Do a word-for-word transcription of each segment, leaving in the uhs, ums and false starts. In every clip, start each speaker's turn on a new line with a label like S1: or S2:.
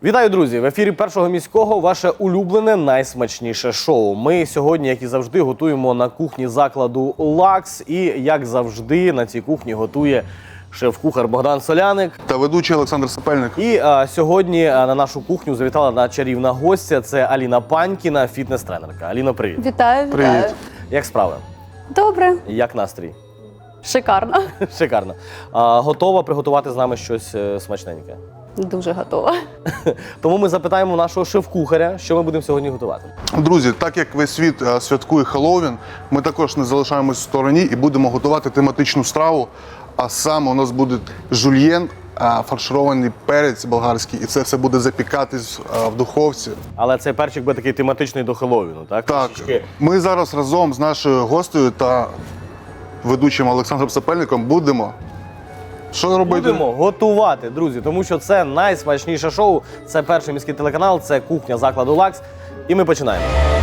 S1: Вітаю, друзі! В ефірі Першого міського ваше улюблене найсмачніше шоу. Ми сьогодні, як і завжди, готуємо на кухні закладу «Лакс». І, як завжди, на цій кухні готує шеф-кухар Богдан Соляник.
S2: Та ведучий Олександр Сапельник.
S1: І а, сьогодні а, на нашу кухню завітала одна чарівна гостя. Це Аліна Панькіна, фітнес-тренерка. Аліно, привіт!
S3: Вітаю, вітаю.
S2: Привіт.
S1: Як справи?
S3: Добре,
S1: Як настрій?
S3: шикарно.
S1: Шикарно. А, готова приготувати з нами щось е, смачненьке?
S3: Дуже готова.
S1: Тому ми запитаємо нашого шеф-кухаря, що ми будемо сьогодні готувати.
S2: Друзі, так як весь світ е, святкує Хеллоуін, ми також не залишаємось в стороні і будемо готувати тематичну страву. А саме у нас буде жульєн, е, фарширований перець болгарський, і це все буде запікатись е, в духовці.
S1: Але цей перчик буде такий тематичний до Хеллоуіну, так?
S2: Так,
S1: Трішечки.
S2: ми зараз разом з нашою гостею та ведучим Олександром Сапельником будемо. Що робити?
S1: Будемо готувати, друзі, тому що це найсмачніше шоу, це Перший міський телеканал, це кухня закладу «Лакс». І ми починаємо.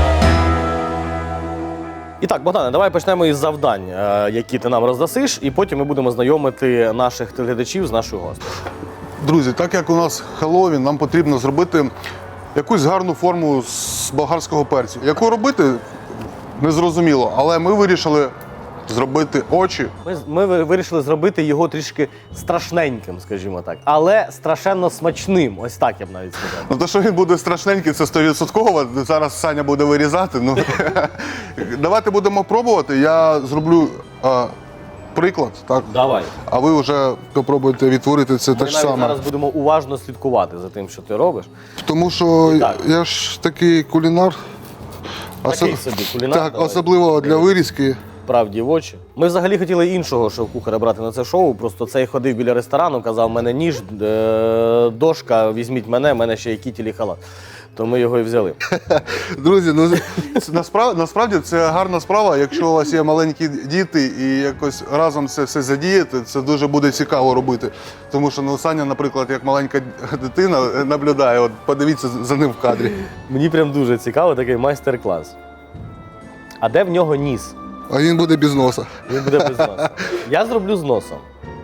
S1: І так, Богдане, давай почнемо із завдань, е, які ти нам роздасиш, і потім ми будемо знайомити наших телеглядачів з нашою гостею.
S2: Друзі, так як у нас Хеллоуін, нам потрібно зробити якусь гарну форму з болгарського перцю. Яку робити, незрозуміло, але ми вирішили зробити очі.
S1: Ми, ми ви- вирішили зробити його трішки страшненьким, скажімо так, але страшенно смачним, ось так я б навіть сказав.
S2: Ну, то, що він буде страшненький, це сто відсотків. Зараз Саня буде вирізати. Ну, давайте будемо пробувати. Я зроблю а, приклад, так?
S1: Давай.
S2: А ви вже попробуйте відтворити це
S1: Ми
S2: так
S1: навіть
S2: само.
S1: зараз будемо уважно слідкувати за тим, що ти робиш.
S2: Тому що
S1: Так.
S2: я ж такий кулінар.
S1: Такий
S2: Осо-
S1: собі кулінар,
S2: Так,
S1: давай.
S2: особливо для вирізки.
S1: Правді в очі. Ми взагалі хотіли іншого шеф-кухаря брати на це шоу, просто цей ходив біля ресторану, казав, мене ніж, е, дошка, візьміть мене, в мене ще є кітіль і халат. То ми його і взяли.
S2: Друзі, ну це насправді, насправді це гарна справа. Якщо у вас є маленькі діти і якось разом це все задіяти, це дуже буде цікаво робити. Тому що ну, Саня, наприклад, як маленька дитина, наблюдає, от подивіться за ним в кадрі.
S1: Мені прям дуже цікаво такий майстер-клас. А де в нього ніс?
S2: А він буде без носа.
S1: Він буде без носа. Я зроблю з носом.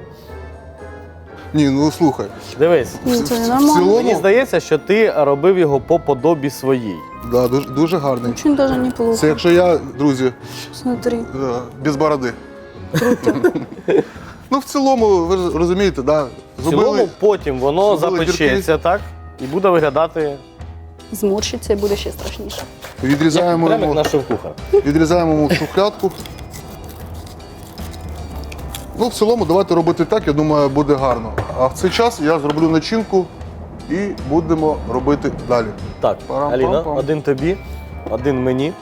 S2: Ні, ну слухай.
S1: Дивись.
S3: Ну, це
S2: в
S3: нормально.
S2: цілому-
S1: Мені здається, що ти робив його по подобі своїй.
S2: Да, дуже, дуже гарний.
S3: Очень даже неплохо.
S2: Це якщо я, друзі,
S3: Смотри.
S2: е, без бороди. Ну, в цілому, ви ж розумієте, да,
S1: В цілому потім воно
S2: зробили
S1: запечеться, так? І буде виглядати
S3: Зморщиться і буде ще страшніше.
S2: відрізаємо
S1: прямо як
S2: йому,
S1: наш шеф-кухар.
S2: відрізаємо йому шухлядку. Ну, в цілому, давайте робити так, я думаю, буде гарно. А в цей час я зроблю начинку і будемо робити далі.
S1: Так,
S2: Парам-пам-пам.
S1: Аліна, один тобі, один мені.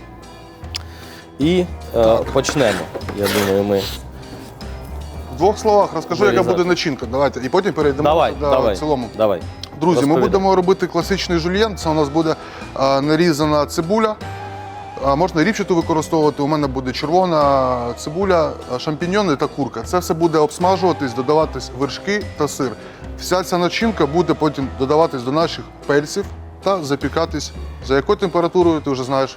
S1: І е, почнемо. Я думаю, ми.
S2: В двох словах розкажу, яка
S1: Вирізати.
S2: буде начинка. Давайте. І потім перейдемо
S1: Давай,
S2: до
S1: давай.
S2: в цілому.
S1: Давай.
S2: Друзі, ми
S1: Розповідай.
S2: будемо робити класичний жульєн. Це у нас буде а, нарізана цибуля. А, можна ріпчату використовувати. У мене буде червона цибуля, а, шампіньйони та курка. Це все буде обсмажуватись, додаватись вершки та сир. Вся ця начинка буде потім додаватись до наших перців та запікатись. За якою температурою ти вже знаєш?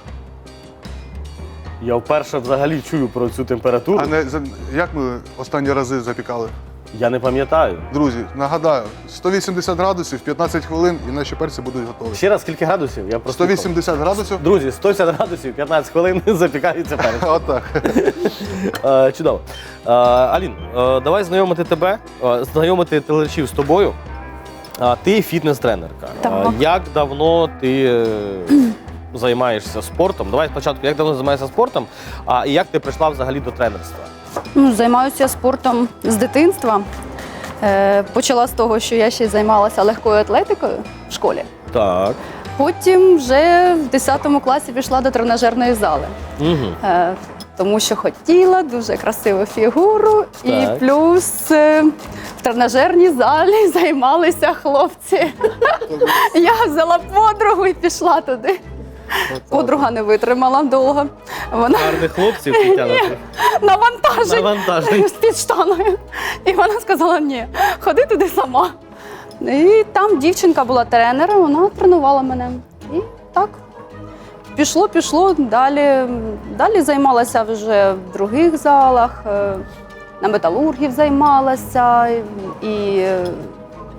S1: Я вперше взагалі чую про цю температуру.
S2: А не за- як ми останні рази запікали?
S1: Я не пам'ятаю.
S2: Друзі, нагадаю, сто вісімдесят градусів, п'ятнадцять хвилин і наші перці будуть готові.
S1: Ще раз, скільки градусів? Я просто
S2: сто вісімдесят градусів.
S1: Друзі, сто вісімдесят градусів, п'ятнадцять хвилин запікається перець.
S2: Отак.
S1: Е, Чудово. Е, Алін, е, давай знайомити тебе, е, знайомити телеглядачів з тобою. А, Ти фітнес-тренерка.
S3: Так.
S1: Е, Як давно ти е, займаєшся спортом? Давай спочатку, як давно займаєшся спортом, а і як ти прийшла взагалі до тренерства?
S3: Ну, займаюся спортом з дитинства. Е, почала з того, що я ще займалася легкою атлетикою в школі.
S1: Так.
S3: Потім вже в десятому класі пішла до тренажерної зали.
S1: Угу.
S3: Е, тому що хотіла дуже красиву фігуру,
S1: Так.
S3: і плюс е, в тренажерній залі займалися хлопці. Я взяла подругу і пішла туди. Подруга не витримала довго. Вона
S1: Гарних хлопців підтягнути.
S3: навантажить
S1: Навантажень.
S3: з-під штаною. І вона сказала, ні, ходи туди сама. І там дівчинка була тренером, вона тренувала мене. І так. Пішло, пішло, далі, далі займалася вже в других залах, е, на металургів займалася і е,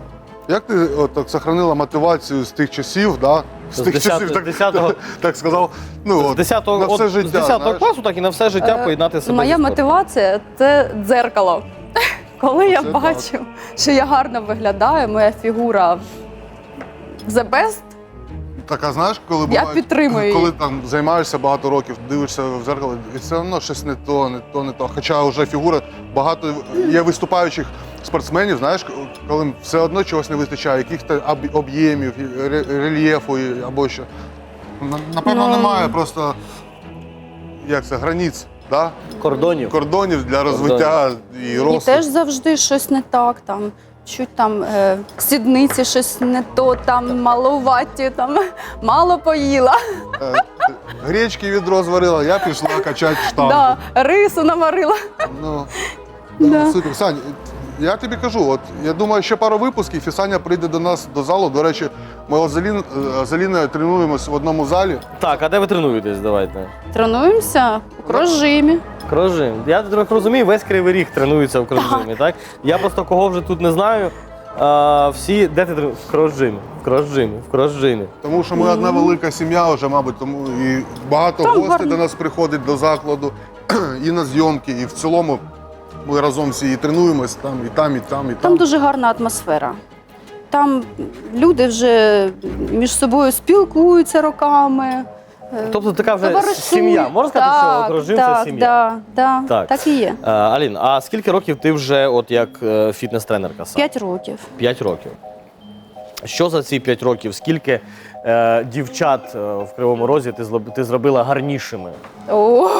S2: Як ти от, так сохранила мотивацію з тих часів, да? з
S1: З
S2: тих
S1: десятого-
S2: часів, так,
S1: десятого
S2: так сказав, ну,
S1: З
S2: от,
S1: десятого,
S2: на все
S1: от,
S2: життя,
S1: з десятого
S2: знаєш?
S1: класу, так і на все життя
S3: Е,
S1: поєднати себе.
S3: Моя
S1: зі спортом.
S3: мотивація це дзеркало. Коли я
S2: Це
S3: бачу, що я гарно виглядаю, моя фігура the best,
S2: Так, а знаєш, коли
S3: Я
S2: бувають,
S3: підтримую
S2: коли
S3: її.
S2: там займаєшся багато років, дивишся в зеркало, і все одно щось не то, не то, не то. Хоча вже фігура, багато є виступаючих спортсменів, знаєш, коли все одно чогось не вистачає, яких-то об- об'ємів, ре- рельєфу і- або що. На- Напевно,
S3: Ну.
S2: немає просто, як це, границь, да?
S1: Кордонів.
S2: кордонів для розвиття і
S3: мені
S2: росту.
S3: теж завжди щось не так. Там, чуть там е, сідниці щось не то, там малуваті, там мало поїла.
S2: Е, Гречки відро зварила, я пішла качати штангу.
S3: Да, рису наварила.
S2: Ну,
S3: Да.
S2: да. Супер. Сань, я тобі кажу, от я думаю, ще пару випусків, і Саня прийде до нас до залу. До речі, ми от з Алін- з Аліною тренуємось в одному залі.
S1: Так, а де ви тренуєтесь? Давайте.
S3: Тренуємося у крожимі.
S1: Крожим. Я трохи розумію, весь Кривий Ріг тренується в Крожимі, так? Я просто кого вже тут не знаю. А, всі, де ти тренуєшся? В Крожимі, в Крожимі, в Крожимі.
S2: Тому що ми одна велика сім'я вже, мабуть, тому і багато
S3: Там
S2: гостей
S3: гарно.
S2: до нас приходить до закладу, і на зйомки, і в цілому ми разом всі і тренуємось там, і там, і там, і там.
S3: Там дуже гарна атмосфера. Там люди вже між собою спілкуються роками. е,
S1: Тобто така вже
S3: товаришують.
S1: сім'я. Можна сказати, що
S3: Так,
S1: Крожим
S3: так,
S1: це сім'я?
S3: Да, да,
S1: Так.
S3: так і є.
S1: А, Алін, а скільки років ти вже от як е, фітнес-тренерка сам?
S3: П'ять років.
S1: П'ять років. Що за ці п'ять років? Скільки е, дівчат е, в Кривому Розі ти, злоб- ти зробила гарнішими?
S3: О,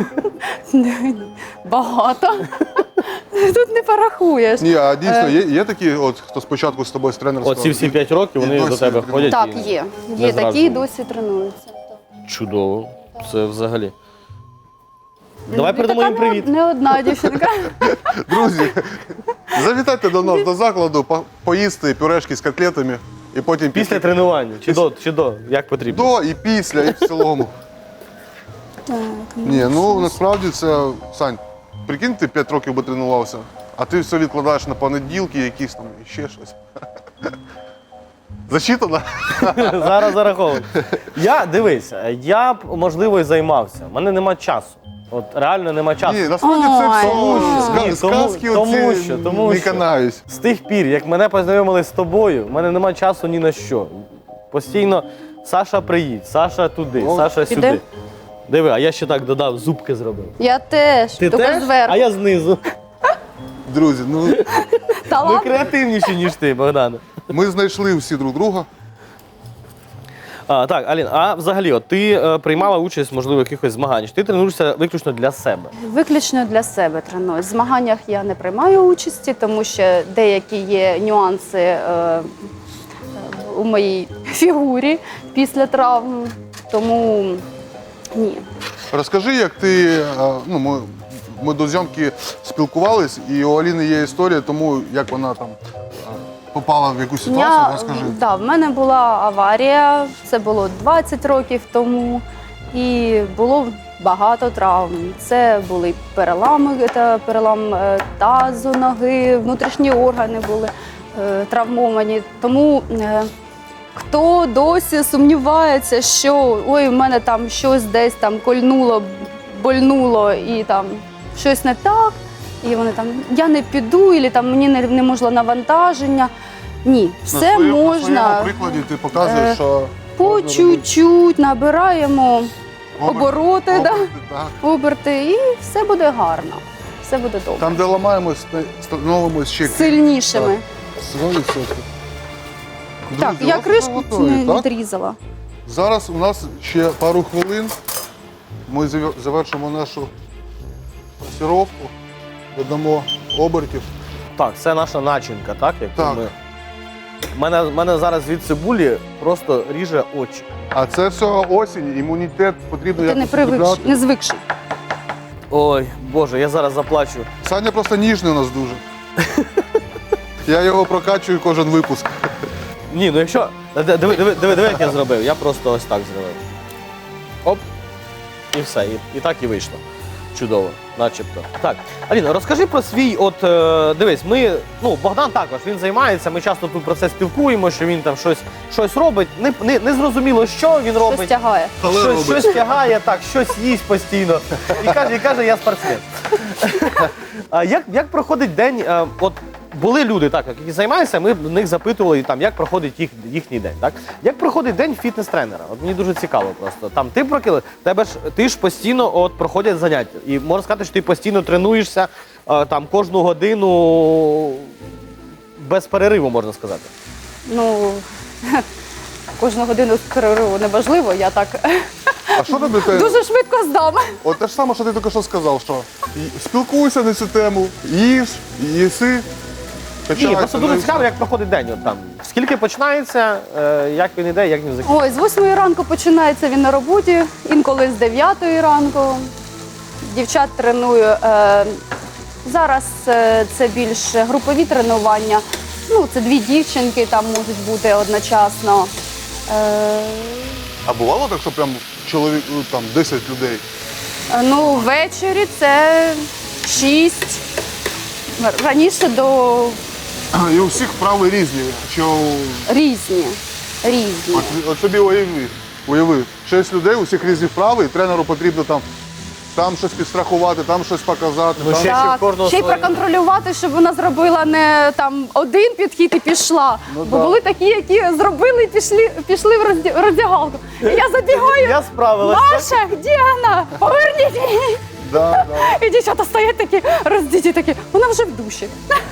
S3: багато. Тут не порахуєш.
S2: Ні, а дійсно,
S3: Е.
S2: є, є такі, от, хто спочатку з тобою з тренерства?
S1: Оці всі п'ять років
S2: І
S1: вони
S2: досі
S1: до тебе
S2: тренують.
S1: ходять?
S3: Так,
S1: і
S3: є.
S1: не
S3: Є такі,
S1: зраджують?
S3: досі тренуються.
S1: Чудово. Це взагалі. Давай
S3: І
S1: передамо
S3: така
S1: їм привіт.
S3: Не, не одна дівчинка.
S2: Друзі, завітайте до нас до закладу, по- поїсти пюрешки з котлетами і потім
S1: Після
S2: піти
S1: тренування. Чи до, чи до, як потрібно.
S2: до і після, і в цілому.
S3: Так,
S2: Ні, ну насправді це, Сань, прикинь, ти п'ять років би тренувався, а ти все відкладаєш на понеділки, якісь там і ще щось. Зачитано?
S1: Зараз зараховую. Я дивись, я б можливо і займався. У мене нема часу. От реально нема часу.
S2: Ні, насправді це
S3: Ой,
S2: все
S3: тому що-
S2: ска-
S1: Ні, тому-
S2: сказки
S1: тому
S2: оці
S1: що, тому
S2: не
S1: що.
S2: канаюсь.
S1: З тих пір, як мене познайомили з тобою, в мене нема часу ні на що. Постійно Саша приїдь, Саша туди,
S2: О.
S1: Саша
S3: Піде?
S1: сюди. Диви, а я ще так додав, зубки зробив.
S3: Я теж,
S1: Ти
S3: тільки
S1: теж?
S3: зверху.
S1: А я знизу.
S2: Друзі, ну
S1: Ми
S3: Талант.
S1: креативніші, ніж ти, Богдане.
S2: ми знайшли всі друг друга.
S1: А, так, Алін, а взагалі, от ти е, приймала участь, можливо, в якихось змаганнях. Ти тренуєшся виключно для себе.
S3: Виключно для себе тренуюсь. В змаганнях я не приймаю участі, тому що деякі є нюанси е, е, у моїй фігурі після травм. Тому ні.
S2: Розкажи, як ти. е, Ну, ми, ми до зйомки спілкувались, і у Аліни є історія, тому як вона там е, попала в якусь ситуацію,
S3: Я,
S2: розкажи.
S3: да, в мене була аварія, це було двадцять років тому, і було багато травм. Це були перелами, це перелам е, тазу, ноги, внутрішні органи були е, травмовані. Тому е, хто досі сумнівається, що ой, в мене там щось десь там кольнуло, больнуло і там щось не так, і вони там я не піду, і там мені не, не можна навантаження. Ні,
S2: На
S3: все
S2: своєму- На
S3: можна
S2: своєму прикладі ти показуєш,
S3: е,
S2: що
S3: по
S2: можна
S3: чуть-чуть набираємо
S2: робити
S3: обороти,
S2: оберти,
S3: да,
S2: так.
S3: оберти, і все буде гарно. Все буде добре.
S2: Там, де ламаємось, ста- становимось ще
S3: Сильнішими.
S2: сто відсотків.
S3: Так,
S2: Друзі,
S3: я
S2: от
S3: кришку
S2: ви готові,
S3: не
S2: так?
S3: відрізала.
S2: Зараз у нас ще пару хвилин. Ми завер- завершимо нашу пасіровку, додамо обертів.
S1: Так, це наша начинка, так? Яку
S2: Так.
S1: Ми... Мене, мене зараз від цибулі просто ріже очі.
S2: А це все осінь, імунітет потрібно
S3: Ти не
S2: якось
S3: привикший,
S2: укріпляти.
S3: не звикший.
S1: Ой, Боже, я зараз заплачу.
S2: Саня просто ніжний у нас дуже. Я його прокачую кожен випуск.
S1: Ні, ну якщо. Диви, диви, диви, диви, диви, як я зробив. Я просто ось так зробив. Оп. І все. І, і так і вийшло. Чудово, начебто. Так, Аліна, розкажи про свій, от е, дивись, ми, ну, Богдан також, він займається, ми часто тут про це спілкуємо, що він там щось, щось робить. Не, не, не зрозуміло, що він робить.
S3: Щось тягає.
S2: Але
S1: Щось,
S2: робить.
S1: щось тягає, так, щось їсть постійно. І каже, і каже, я спортсмен. А як, як проходить день? е, От були люди, так, які займаються, ми в них запитували, там, як проходить їх, їхній день. Так? Як проходить день фітнес-тренера? От мені дуже цікаво просто. Там ти прокили, тебе ж ти ж постійно от проходять заняття. І можна сказати, що ти постійно тренуєшся е, там кожну годину без перериву, можна сказати.
S3: Ну, кожну годину перериву неважливо, я так
S2: А що робити?
S3: дуже швидко здам.
S2: От те ж саме, що ти тільки що сказав, що і- спілкуйся на цю тему, їж, їси,
S1: Ні,
S2: качайся.
S1: просто дуже
S2: ну, і
S1: цікаво,
S2: все.
S1: як проходить день. От там. Скільки починається, е, як він іде, як він закінчується.
S3: Ой, з восьмої ранку починається він на роботі, інколи з дев'ятої ранку. Дівчат треную. Е, зараз е, це більш групові тренування. Ну, це дві дівчинки там можуть бути одночасно. Е,
S2: А бувало так, що прям чоловік, ну, там десять людей?
S3: ну, ввечері це шість. Раніше до
S2: І у всіх вправи різні. Що
S3: різні. Різні.
S2: от, от собі уяви, уяви, шість людей, у всіх різні вправи, і тренеру потрібно там, там щось підстрахувати, там щось показати.
S1: Ну,
S2: там...
S1: ще-
S3: Так,
S1: кожного
S3: ще й
S1: своє.
S3: проконтролювати, щоб вона зробила не там один підхід і пішла.
S2: Ну,
S3: Бо
S2: да.
S3: були такі, які зробили і пішли, пішли в розді- роздягалку. І я забігаю.
S1: Я справилася.
S3: Маша, де вона? Поверніть її.
S2: Да, да.
S3: І дівчата стоять такі, роздіті такі. Вона вже в душі.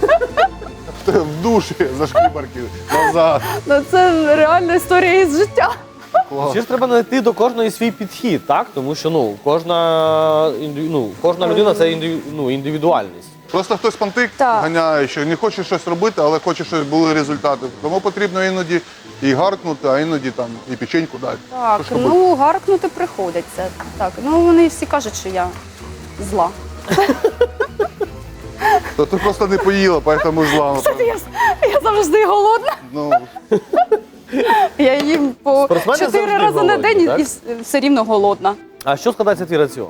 S2: В душі за шкібарки, назад.
S3: Ну це реальна історія із життя.
S1: Ще ж треба знайти до кожної свій підхід, так? Тому що ну, кожна, інди- ну, кожна людина це інди- ну, індивідуальність.
S2: Просто хтось пантик
S3: Так.
S2: ганяє, що не хоче щось робити, але хоче, щоб були результати. Тому потрібно іноді і гаркнути, а іноді там і печеньку дати.
S3: Так,
S2: Що ж робити?
S3: ну гаркнути приходиться. Так, ну вони всі кажуть, що я зла.
S2: То ти просто не поїла, тому зла.
S3: Кстати, я, я завжди голодна.
S2: Ну,
S3: Я їм по
S1: Спортсмени
S3: чотири
S1: завжди
S3: рази на
S1: голодні,
S3: день
S1: так?
S3: і вс- все рівно голодна.
S1: А що складається твій раціон?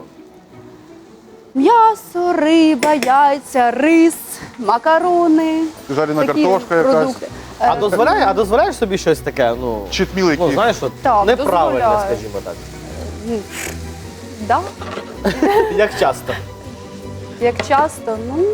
S3: М'ясо, риба, яйця, рис, макарони.
S2: жарена
S3: такі
S2: картошка якась.
S3: продукти.
S1: А
S3: Е,
S1: дозволяєш, а дозволяєш собі щось таке, ну,
S2: Читміл
S1: ну
S2: який.
S1: знаєш, от,
S3: Так,
S1: неправильне,
S3: дозволяю.
S1: скажімо так.
S3: Да?
S1: Як часто?
S3: Як часто? Ну,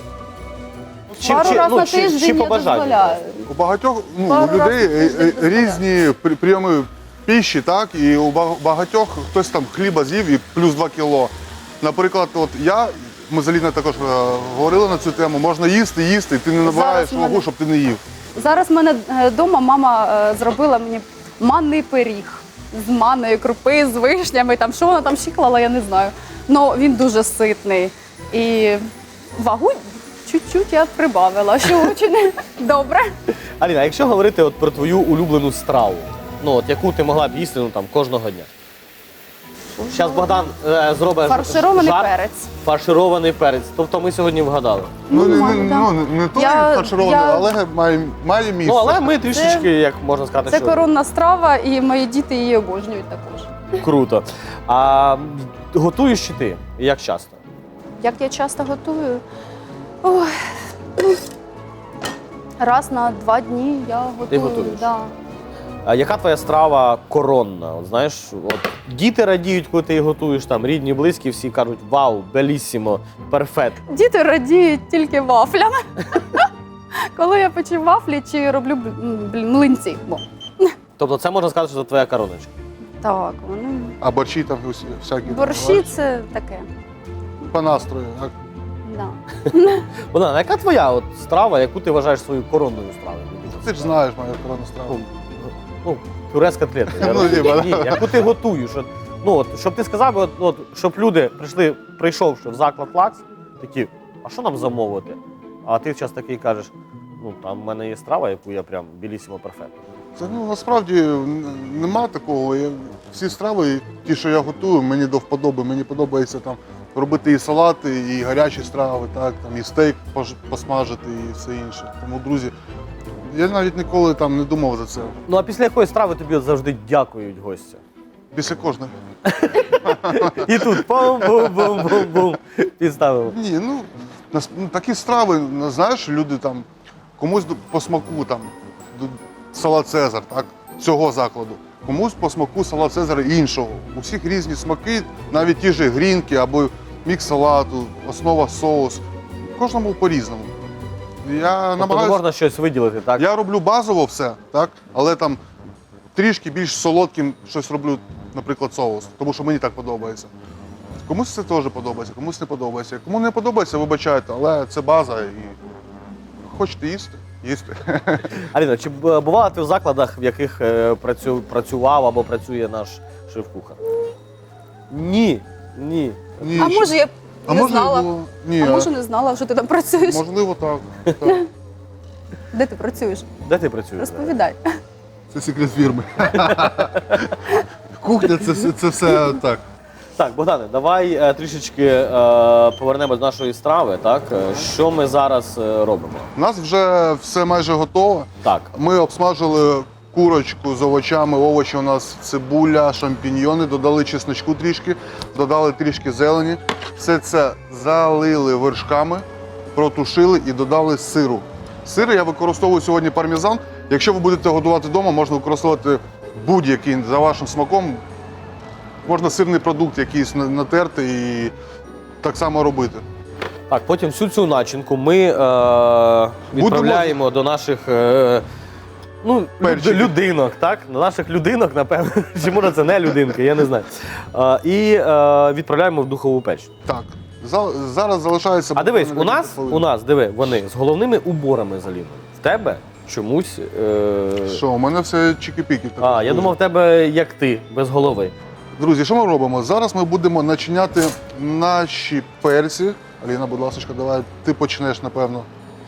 S1: Чи,
S3: пару
S1: чи,
S3: разів
S1: ну,
S3: на
S1: чи,
S3: тиждень
S1: чи
S3: я
S1: по бажанню?
S3: дозволяю.
S2: У багатьох ну,
S3: Пару
S2: у людей
S3: разів в тиждень
S2: е, е,
S3: дозволяю.
S2: різні при- прийоми піші, так? І у ба- багатьох хтось там хліба з'їв і плюс два кіло. Наприклад, от я, ми з Аліною також е, говорили на цю тему, можна їсти, їсти, і ти не набираєш
S3: Зараз в мене-
S2: вагу, щоб ти не їв.
S3: Зараз в мене вдома мама е, зробила мені манний пиріг з манної крупи, з вишнями. Там, що вона там ще клала, я не знаю. Ну він дуже ситний. І вагу чуть-чуть я прибавила, що дуже добре.
S1: Аліна, а якщо говорити от про твою улюблену страву, ну от яку ти могла б їсти ну, там, кожного дня? Зараз Богдан е, зробить
S3: Фарширований
S1: жарт.
S3: перець.
S1: Фарширований перець. Тобто ми сьогодні вгадали.
S2: Ну, не,
S3: мало,
S2: не,
S3: да.
S2: ну, не той
S3: Я-
S2: фарширований,
S3: я-
S2: але має, має місце.
S1: Ну, але ми трішечки, як можна сказати,
S3: Це
S1: що
S3: коронна страва, і мої діти її обожнюють також.
S1: круто. А м, готуєш чи ти? І як часто?
S3: Як я часто готую? Ой, ну, раз на два дні я готую.
S1: готуєш?
S3: Да.
S1: А яка твоя страва коронна? От, знаєш, от, діти радіють, коли ти їх готуєш, там, рідні, близькі, всі кажуть, вау, белісімо, перфект.
S3: Діти радіють тільки вафлями. Коли я печу вафлі чи роблю бл- блін, млинці. Бо.
S1: Тобто це можна сказати, що це твоя короночка.
S3: Так, вони.
S2: А борщі там усі, всякі.
S3: Борщі це таке.
S2: По настрою. Так?
S3: Да.
S1: Богдан, а яка твоя от страва, яку ти вважаєш своєю коронною стравою?
S2: Ти ж знаєш мою коронну страву.
S1: Ну, пюре з котлети. Я
S2: Ну,
S1: розумію.
S2: ні,
S1: Ні, яку ти готуєш. От, ну, от, щоб ти сказав, от, от, щоб люди прийшли, прийшовши в заклад Лакс, такі, а що нам замовити? А ти час такий кажеш, ну там в мене є страва, яку я прям білісімо перфект.
S2: Це ну, насправді н- нема такого. Я, всі страви, ті, що я готую, мені до вподоби. Мені подобається там робити і салати, і гарячі страви, так, там, і стейк пож- посмажити, і все інше. Тому, друзі, я навіть ніколи там не думав за це.
S1: Ну а після якої страви тобі от завжди дякують гостя?
S2: Після кожної.
S1: І тут бум-бум-бум-бум-бум. Підставимо.
S2: Ні, ну, нас- ну такі страви, ну, знаєш, люди там комусь до- по смаку там д- салат Цезар, так, цього закладу. Комусь по смаку салат Цезар іншого. У всіх різні смаки, навіть ті ж грінки або мікс салату, основа соус. Кожному по-різному. Я
S1: Тобто не
S2: намагаюся.
S1: можна щось виділити, так?
S2: Я роблю базово все, так, але там трішки більш солодким щось роблю, наприклад, соус, тому що мені так подобається. Комусь це теж подобається, комусь не подобається. Кому не подобається, вибачайте, але це база і хочете їсти, їсти.
S1: Аліна, чи б- бувала ти в закладах, в яких е, працю, працював або працює наш шеф-кухар? Ні. Ні.
S2: Ні,
S3: А
S2: ще-
S3: може я
S2: а
S3: не
S2: може
S3: знала?
S2: було- Ні,
S3: А
S2: а-
S3: може не знала, що ти там працюєш?
S2: можливо, так. так.
S3: Де ти працюєш?
S1: Де ти працюєш?
S3: Розповідай.
S2: Це секрет фірми. Кухня це, все- це все так.
S1: Так, Богдане, давай е, трішечки е, повернемось до нашої страви. Так? Е, Що ми зараз е, робимо?
S2: У нас вже все майже готово.
S1: Так.
S2: Ми обсмажили курочку з овочами, овочі у нас цибуля, шампіньйони, додали чесночку трішки, додали трішки зелені. Все це залили вершками, протушили і додали сиру. Сир я використовую сьогодні пармезан. Якщо ви будете готувати вдома, можна використовувати будь-який за вашим смаком. Можна сирний продукт якийсь на- натерти і так само робити.
S1: Так, потім всю цю начинку ми е, відправляємо до наших е, ну,
S2: Перчиків.
S1: люд- людинок, так? До наших людинок, напевно. Чи може це не людинки, я не знаю. Е, і е, відправляємо в духову печ.
S2: Так, за- зараз залишається.
S1: А дивись,
S2: буквально
S1: у нас,
S2: декілька
S1: у нас, диви, вони з головними уборами заліли. В тебе чомусь. Е...
S2: Що, у мене все чики-піки. так
S1: А, я
S2: дуже.
S1: думав, в тебе як ти, без голови.
S2: Друзі, що ми робимо? Зараз ми будемо начиняти наші перці. Аліна, будь ласка, давай ти почнеш, напевно.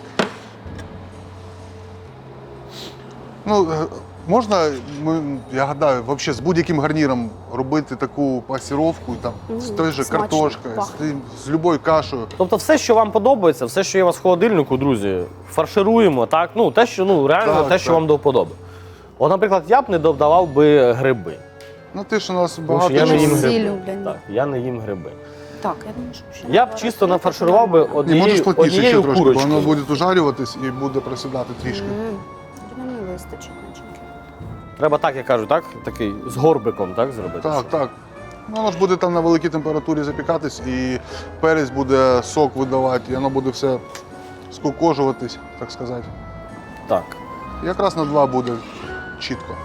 S2: Ну, е, можна, ми, я гадаю, взагалі з будь-яким гарніром робити таку пасіровку, там, з
S3: Мгм,
S2: той же
S3: смачно,
S2: картошкою, з,
S3: пахне.
S2: тим- з любою кашею.
S1: Тобто все, що вам подобається, все, що є у вас в холодильнику, друзі, фаршируємо, так? Ну, те, що ну, реально
S2: Так,
S1: те, що
S2: так.
S1: вам до вподоби. От, наприклад, я б не додавав би гриби.
S2: Ну ти ж у нас
S1: Тому
S2: багато.
S1: що я не їм
S3: Всі
S1: гриби.
S3: люблять.
S1: Так, я не їм гриби.
S3: Так, я думаю, що ще
S1: Я б
S3: не
S1: чисто
S3: пора.
S1: нафарширував би
S2: Ні, можеш
S1: однією,
S2: плотніше ще
S1: однією
S2: трошки, бо воно
S1: курочкою.
S2: буде ужарюватись і буде присідати трішки.
S3: М, Мені вистачить начинки.
S1: Треба так, я кажу, так? Такий з горбиком, так, зробити?
S2: Так, так. Ну, воно ж буде там на великій температурі запікатись, і перець буде сок видавати, і воно буде все скукожуватись, так сказати.
S1: Так.
S2: Якраз на два буде чітко.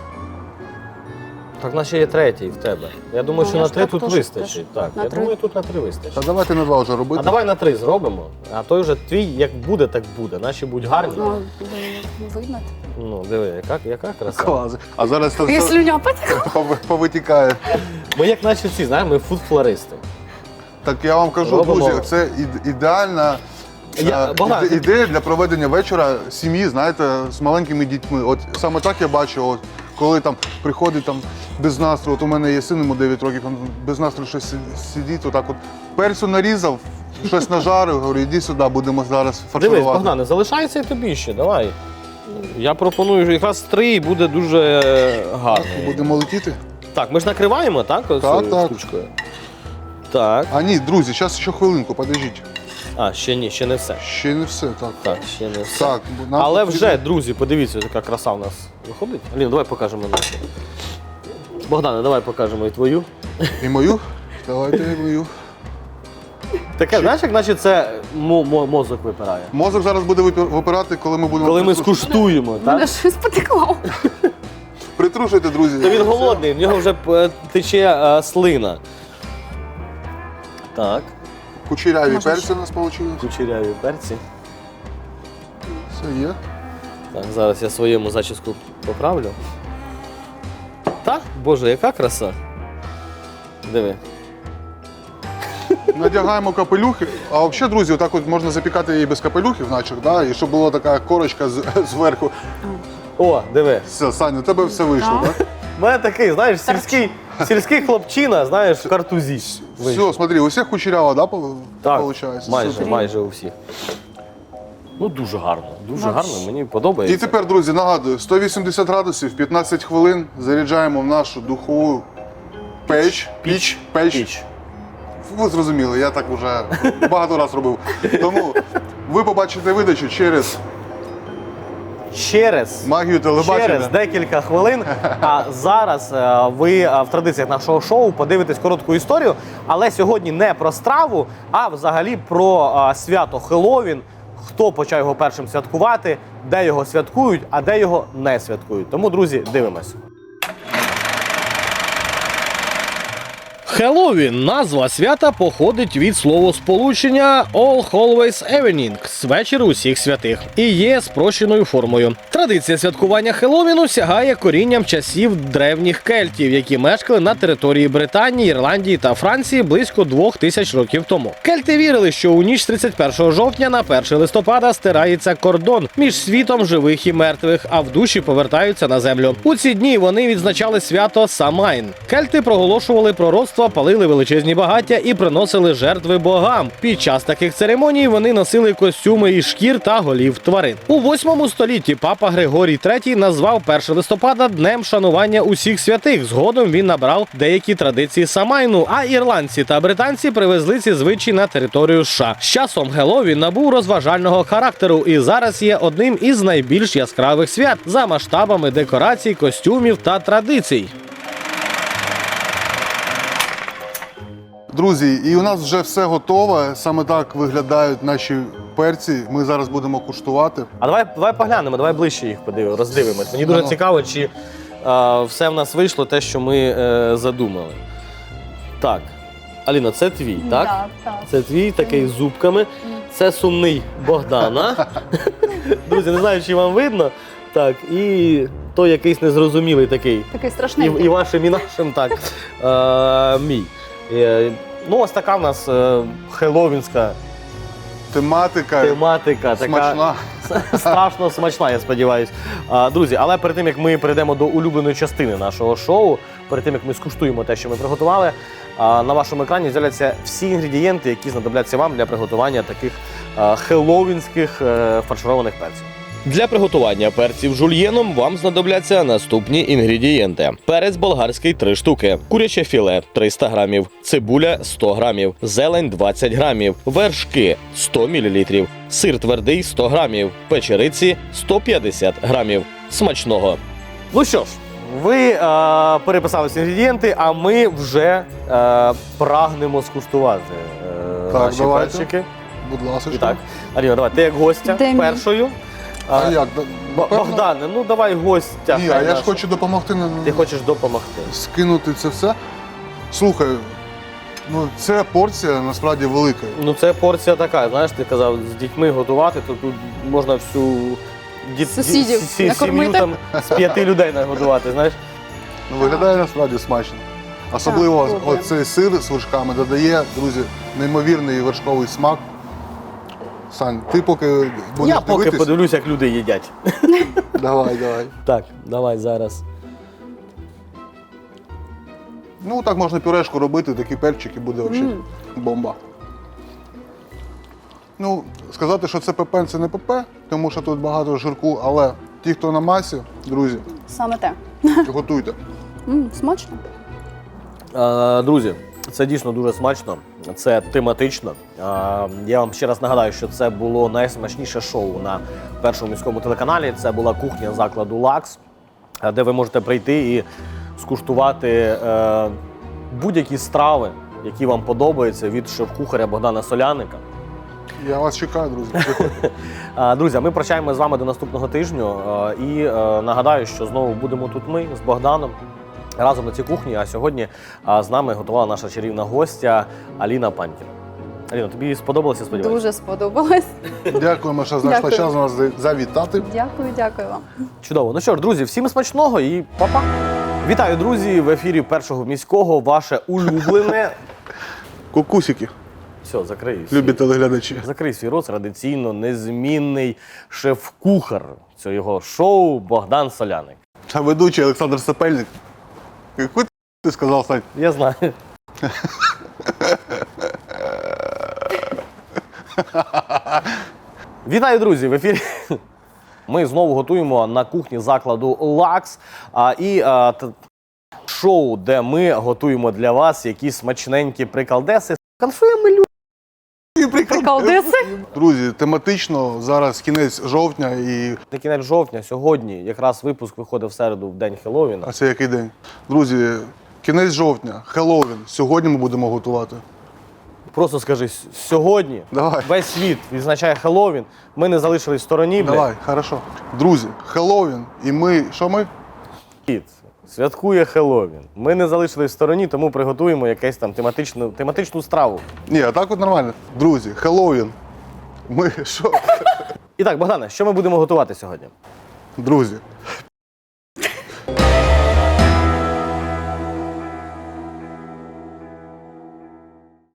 S1: Так, наче є третій в тебе. Я думаю,
S3: Ну,
S1: що
S3: я
S1: на
S3: ж
S1: три
S3: так
S1: тут
S3: теж
S1: вистачить.
S3: теж.
S1: Так,
S3: На
S1: я
S3: три?
S1: думаю, тут на три
S2: Та
S1: вистачить.
S2: давайте на два вже робити.
S1: А давай на три зробимо, а той вже твій як буде, так буде. Наші будь гарні.
S3: Ну, ви- видно.
S1: Ну, диви, яка, яка краса.
S2: Клас. А зараз це
S3: Я
S2: все
S3: слюня потекла.
S2: пов- повитікає.
S1: Ми як наче ці, знаємо, ми фуд-флористи.
S2: Так я вам кажу,
S1: Робимо.
S2: друзі, це ід- ідеальна
S1: Я-
S2: е,
S1: Богдан,
S2: іде- ідея для проведення вечора сім'ї, знаєте, з маленькими дітьми. От саме так я бачу, от, коли там приходить там без настрою, от у мене є син, йому дев'ять років, він без настрою щось си- сидить, отак от перцю нарізав, щось нажарив, говорю, іди сюди, будемо зараз фарширувати.
S1: Дивись, Богдане, залишається і тобі ще, давай. Я пропоную що якраз три і буде дуже е, гарно.
S2: Будемо летіти?
S1: Так, ми ж накриваємо, так? Ось
S2: Так,
S1: цією
S2: так.
S1: штучкою. Так.
S2: А ні, друзі, зараз ще хвилинку, подождіть.
S1: А, ще ні, ще не все.
S2: Ще не все, так.
S1: Так, ще не все.
S2: Так, бо нам
S1: Але
S2: потрібно-
S1: вже, друзі, подивіться, яка краса в нас виходить. Аліна, давай покажемо нашу. Богдане, давай покажемо і твою.
S2: І мою? Давайте і мою.
S1: Таке, знаєш, як наче це мо- мо- мозок випирає.
S2: Мозок зараз буде випи- випирати, коли ми будемо.
S1: Коли ми
S2: притрушувати.
S1: скуштуємо,
S3: Мене
S1: так?
S3: щось потекло.
S2: Притрушуйте, друзі.
S1: Та він голодний, в нього вже е, тече е, слина. Так,
S2: Кучеряві
S3: Можна
S2: перці
S3: ще?
S2: у нас вийшли.
S1: кучеряві перці.
S2: Все є.
S1: Так, зараз я своєму зачіску поправлю. Так, боже, яка краса. Диви.
S2: Надягаємо капелюхи. А взагалі, друзі, отак от можна запікати її без капелюхів, наче, да? І щоб була така корочка з- зверху.
S1: О, диви.
S2: Все, Саня, у тебе все вийшло,
S3: Так.
S2: так?
S1: У мене такий, знаєш, сільський, сільський хлопчина, знаєш, в картузі.
S2: Все, смотри, у всіх кучеряво, да, по-
S1: Так,
S2: виходить?
S1: майже,
S2: Супер.
S1: майже у всіх. Ну, дуже гарно, дуже
S3: Вообще.
S1: гарно, мені
S2: І
S1: подобається.
S2: тепер, друзі, нагадую, сто вісімдесят градусів, п'ятнадцять хвилин заряджаємо в нашу духову Печ, піч, печ.
S1: Піч.
S2: Ви зрозуміли, я так вже багато разів робив. Тому ви побачите видачу через
S1: Через
S2: магію телебачення.
S1: Через декілька хвилин. А зараз е, ви е, в традиціях нашого шоу подивитесь коротку історію, але сьогодні не про страву, а взагалі про е, свято Хеллоуін, хто почав його першим святкувати, де його святкують, а де його не святкують. Тому, друзі, дивимось. Хеллоуін – назва свята походить від словосполучення «All Hallows Evening» – «Вечір усіх святих» і є спрощеною формою. Традиція святкування Хеллоуіну сягає корінням часів древніх кельтів, які мешкали на території Британії, Ірландії та Франції близько двох тисяч років тому. Кельти вірили, що у ніч з тридцять першого жовтня на перше листопада стирається кордон між світом живих і мертвих, а в душі повертаються на землю. У ці дні вони відзначали свято Самайн. Кельти проголошували пророцтва, палили величезні багаття і приносили жертви богам. Під час таких церемоній вони носили костюми із шкір та голів тварин. У восьмому столітті папа Григорій третій назвав перше листопада днем шанування усіх святих. Згодом він набрав деякі традиції Самайну, а ірландці та британці привезли ці звичаї на територію США. З часом Хеллоуін набув розважального характеру і зараз є одним із найбільш яскравих свят за масштабами декорацій, костюмів та традицій.
S2: Друзі, і у нас вже все готове. Саме так виглядають наші перці. Ми зараз будемо куштувати.
S1: А давай, давай поглянемо, давай ближче їх подивимо, роздивимось. Мені дуже
S2: Ну.
S1: цікаво, чи е, все в нас вийшло те, що ми е, задумали. Так, Аліна, це твій, так?
S3: Так, так.
S1: Це твій, такий з зубками. Це сумний Богдана. Друзі, не знаю, чи вам видно. Так, і той якийсь незрозумілий такий.
S3: Такий
S1: І,
S3: страшний.
S1: і вашим, і нашим, так. Е, мій. Е, ну, ось така в нас е, хеллоуінська
S2: Тематика
S1: тематика. Така
S2: смачна.
S1: страшно смачна, я сподіваюся. А, друзі, але перед тим, як ми перейдемо до улюбленої частини нашого шоу, перед тим, як ми скуштуємо те, що ми приготували, а, на вашому екрані з'являться всі інгредієнти, які знадобляться вам для приготування таких а, хеллоуінських е, фаршированих перців. Для приготування перців жульєном вам знадобляться наступні інгредієнти. Перець болгарський – три штуки, куряче філе – триста грамів, цибуля – сто грамів, зелень – двадцять грамів, вершки – сто мілілітрів, сир твердий – сто грамів, печериці – сто п'ятдесят грамів. Смачного! Ну що ж, ви е, переписали всі інгредієнти, а ми вже е, прагнемо скуштувати е,
S2: Так,
S1: наші
S2: давайте.
S1: перчики.
S2: Будь ласка.
S1: І так, Аліна, давай, ти як гостя
S3: Де мій?
S1: першою.
S2: А як?
S1: Б-
S2: Напевно?
S1: Богдане, ну давай гостя.
S2: Ні,
S1: хай
S2: а я ж
S1: наш.
S2: хочу допомогти на-
S1: Ти хочеш допомогти.
S2: скинути це все. Слухай, ну ця порція насправді велика.
S1: Ну це порція така, знаєш, ти казав, з дітьми готувати, то тут можна всю діт...
S3: Сусідів
S1: ді- сі-
S3: накормити.
S1: сім'ю там з п'яти людей нагодувати, знаєш.
S2: Ну, виглядає насправді смачно. Особливо
S3: Так, добре.
S2: оцей сир з вершками додає, друзі, неймовірний вершковий смак. Сань, ти поки будеш
S1: Я поки
S2: дивитись?
S1: подивлюсь, як люди їдять.
S2: Давай, давай.
S1: Так, давай зараз.
S2: Ну, так можна пюрешку робити, такі перчики буде взагалі
S3: Мм.
S2: бомба. Ну, сказати, що це ПП, це не ПП, тому що тут багато жирку, але ті, хто на масі, друзі,
S3: Саме те.
S2: готуйте.
S3: М, смачно.
S1: Е, друзі, це дійсно дуже смачно, це тематично. Е, я вам ще раз нагадаю, що це було найсмачніше шоу на першому міському телеканалі. Це була кухня закладу «Лакс», е, де ви можете прийти і скуштувати е, будь-які страви, які вам подобаються, від шеф-кухаря Богдана Соляника.
S2: Я вас чекаю, друзі. Приходьте.
S1: Е, Друзі, а ми прощаємо з вами до наступного тижню. е, І е, нагадаю, що знову будемо тут ми з Богданом разом на цій кухні. А сьогодні е, з нами готувала наша чарівна гостя Аліна Пантір. Аліна, тобі сподобалося, сподіваюся?
S3: Дуже сподобалось.
S2: Дякуємо, що знайшла
S3: Дякую.
S2: час нас завітати.
S3: Дякую, дякую вам.
S1: Чудово. Ну що ж, друзі, всім смачного і па-па! Вітаю, друзі! В ефірі Першого міського ваше улюблене.
S2: Кукусики,
S1: Все, закрий. свій-
S2: любі телеглядачі.
S1: Закрий свій рот, традиційно незмінний шеф-кухар цього шоу Богдан Соляник.
S2: А ведучий Олександр Сапельник. Яку ти сказав, Сань?
S1: Я знаю. Вітаю, друзі! В ефірі ми знову готуємо на кухні закладу «Лакс». А, І а, т- Шоу, де ми готуємо для вас якісь смачненькі приколдеси. Конфуємо люди.
S3: Приколдеси?
S2: Друзі, тематично зараз кінець жовтня і.
S1: На кінець жовтня, сьогодні, якраз випуск виходить в середу, в день Хеллоуіна.
S2: А це який день? Друзі, кінець жовтня, Хеллоуін. Сьогодні ми будемо готувати.
S1: Просто скажи, с- сьогодні
S2: Давай.
S1: весь світ відзначає Хеллоуін, ми не залишились в стороні, блядь.
S2: Давай, хорошо. Друзі, Хеллоуін, і ми. Що ми?
S1: Світ святкує Хеллоуін. Ми не залишились в стороні, тому приготуємо якусь там тематичну, тематичну страву.
S2: Ні, а так от нормально. Друзі, Хеллоуін. Ми що?
S1: І так, Богдане, що ми будемо готувати сьогодні?
S2: Друзі,